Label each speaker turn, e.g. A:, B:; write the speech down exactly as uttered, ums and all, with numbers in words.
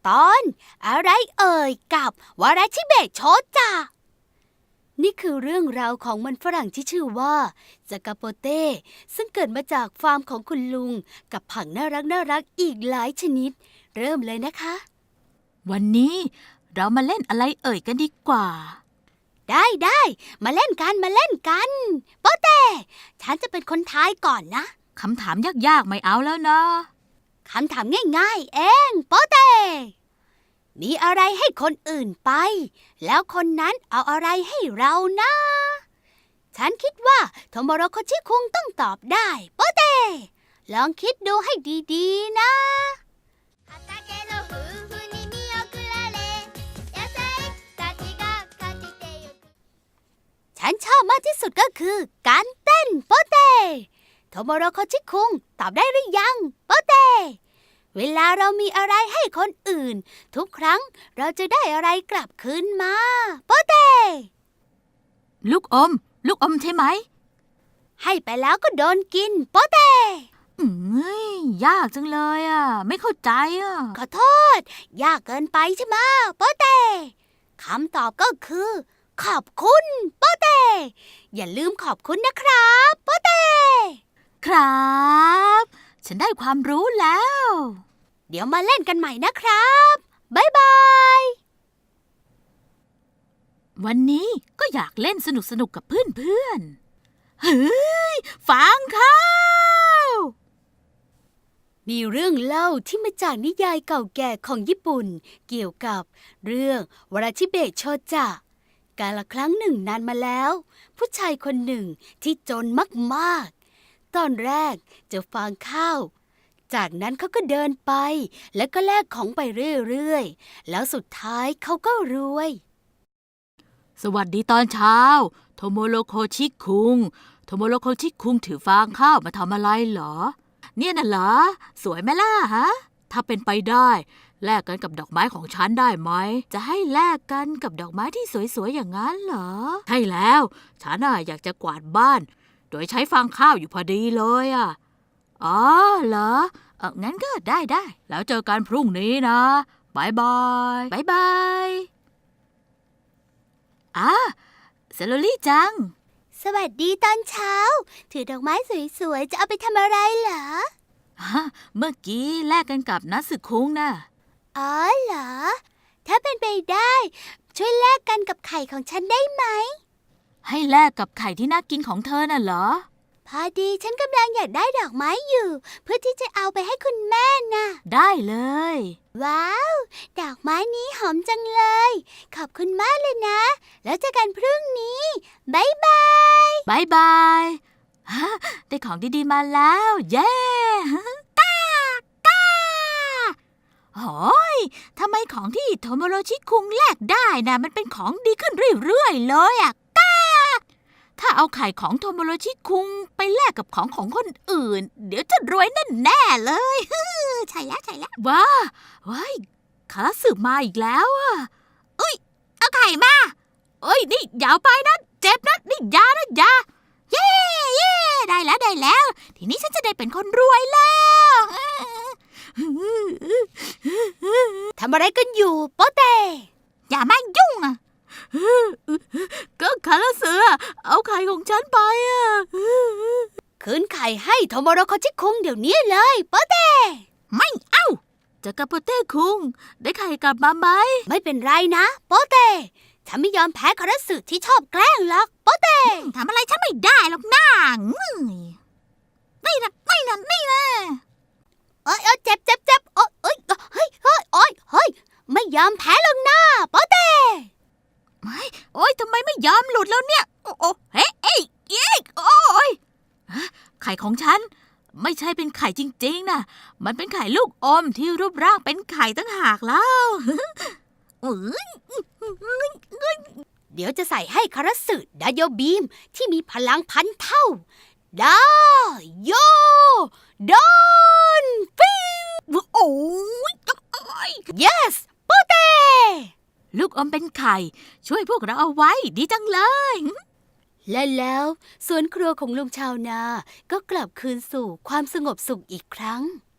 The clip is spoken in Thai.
A: ตอนอะไรเอ่ยกับวาราชิเบะโชจ่านี่คือเรื่องราวของมันฝรั่งที่ชื่อว่าจากาโปเต้ซึ่งเกิดมาจากฟาร์มของคุณลุงกับผักน่ารักน่ารักอีกหลายชนิดเริ่มเลยนะคะ
B: วันนี้เรามาเล่นอะไรเอ่ยกันดีกว่า
A: ได้ได้มาเล่นกันมาเล่นกันโปเต้ฉันจะเป็นคนทายก่อนนะ
B: คำถามยากๆไม่เอาแล้วนะ
A: คำถามง่ายๆเองโปเต้มีอะไรให้คนอื่นไปแล้วคนนั้นเอาอะไรให้เรานะฉันคิดว่าโทโมโรโคชิคุงต้องตอบได้โปเต้ลองคิดดูให้ดีๆนะฉันชอบมากที่สุดก็คือการเต้นโปเต้โทโมโรโคชิคุงตอบได้หรือยังโปเต้เวลาเรามีอะไรให้คนอื่นทุกครั้งเราจะได้อะไรกลับคืนมาโปเต้
B: ลูกอมลูกอมใช่ไหม
A: ให้ไปแล้วก็โดนกินโปเต้
B: อืมยากจังเลยอ่ะไม่เข้าใจอ่ะ
A: ขอโทษยากเกินไปใช่ไหมโปเต้คำตอบก็คือขอบคุณโปเต้อย่าลืมขอบคุณนะครับโปเต้
B: ครับฉันได้ความรู้แล้ว
A: เดี๋ยวมาเล่นกันใหม่นะครับบ๊ายบาย
B: วันนี้ก็อยากเล่นสนุกสนุกกับเพื่อนๆเฮ้ยฟังข้าว
A: มีเรื่องเล่าที่มาจากนิยายเก่าแก่ของญี่ปุ่นเกี่ยวกับเรื่องวาราชิเบะโชจะกาลครั้งหนึ่งนานมาแล้วผู้ชายคนหนึ่งที่จนมากๆตอนแรกจะฟางข้าวจากนั้นเขาก็เดินไปแล้วก็แลกของไปเรื่อยๆแล้วสุดท้ายเขาก็รวย
B: สวัสดีตอนเช้าโทโมโรโคชิคุงโทโมโรโคชิคุงถือฟางข้าวมาทำอะไรเหรอเนี่ยน่ะเหรอสวยไหมล่ะฮะถ้าเป็นไปได้แลกกันกับดอกไม้ของฉันได้ไหมจะให้แลกกันกับดอกไม้ที่สวยๆอย่างนั้นเหรอใช่แล้วฉันน่ะอยากจะกวาดบ้านโดยใช้ฟางข้าวอยู่พอดีเลยอ่ะอ๋อเหรอเอองั้นก็ได้ได้แล้วเจอกันพรุ่งนี้นะบายบายบายบายอ่ะเซโลลี่จัง
A: สวัสดีตอนเช้าถือดอกไม้สวยๆจะเอาไปทำอะไรเหรอ
B: เมื่อกี้แลกกันกับนัสึคุงนะ
A: อ๋อเหรอถ้าเป็นไปได้ช่วยแลกกันกับไข่ของฉันได้ไหม
B: ให้แลกกับไข่ที่น่ากินของเธอน่ะเหรอ
A: พอดีฉันกำลังอยากได้ดอกไม้อยู่เพื่อที่จะเอาไปให้คุณแม่น่ะ
B: ได้เลย
A: ว้าวดอกไม้นี้หอมจังเลยขอบคุณมากเลยนะแล้วเจอกันพรุ่งนี้บ๊ายบาย
B: บ๊ายบายได้ของดีๆมาแล้วเย้ก้าก้าโอ้ยทำไมของที่โทโมโรชิคุงแลกได้นะมันเป็นของดีขึ้นเรื่อยๆเลยอ่ะก้าถ้าเอาไข่ของโทโมโรชิคุงไปแลกกับของของคนอื่นเดี๋ยวจะรวยแน่ๆเลยใช่แล้วใช่แล้วว้าว้ายคาสึมาอีกแล้วอ่ะอุ้ยเอาไข่มาเอ้ยนี่อย่าไปนะเจ็บนะนี่ยานะยาเย้เย้ได้แล้วได้แล้วทีนี้ฉันจะได้เป็นคนรวยแล้ว
A: ทำอะไรกันอยู่โปเต้
B: อย่ามายุ่งอ่ะก็คาราสึเอาไข่ของฉันไปอ่ะ
A: คืนไข่ให้โทโมโรโคชิคุงเดี๋ยวนี้เลยโปเต้
B: ไม่เอาจะกับโปเต้คุงได้ไข่กลับมาไหม
A: ไม่เป็นไรนะโปเต้ฉันไม่ยอมแพ้คาราสึที่ชอบแกล้งหรอกโปเต้
B: ทำอะไรฉันไม่ได้หรอกน้านี่นะนี่นะนี่นะ
A: เอ้ยเจ็บเจ็บเจ็บโอ้ยเอ้ยเฮ้ยเฮ้ยโอ้ยเฮ้ยไม่ยอมแพ้หรอกนะโปเต้
B: ไม่โอ้ยทำไมไม่ยอมหลุดแล้วเนี่ยโอ้โอ้เฮ้ยเอ้ยเอ้ยโอ้ยไข่ของฉันไม่ใช่เป็นไข่จริงๆนะมันเป็นไข่ลูกอมที่รูปร่างเป็นไข่ตั้งหากแล้ว
A: เดี๋ยวจะใส่ให้คาราสึดาโยบีมที่มีพลังพันเท่าดาโยดอนฟิว
B: โอ้ย
A: yes โปเต้
B: ลูกอมเป็นไข่ช่วยพวกเราเอาไว้ดีจังเลย
A: และแล้วสวนครัวของลุงชาวนาก็กลับคืนสู่ความสงบสุขอีกครั้ง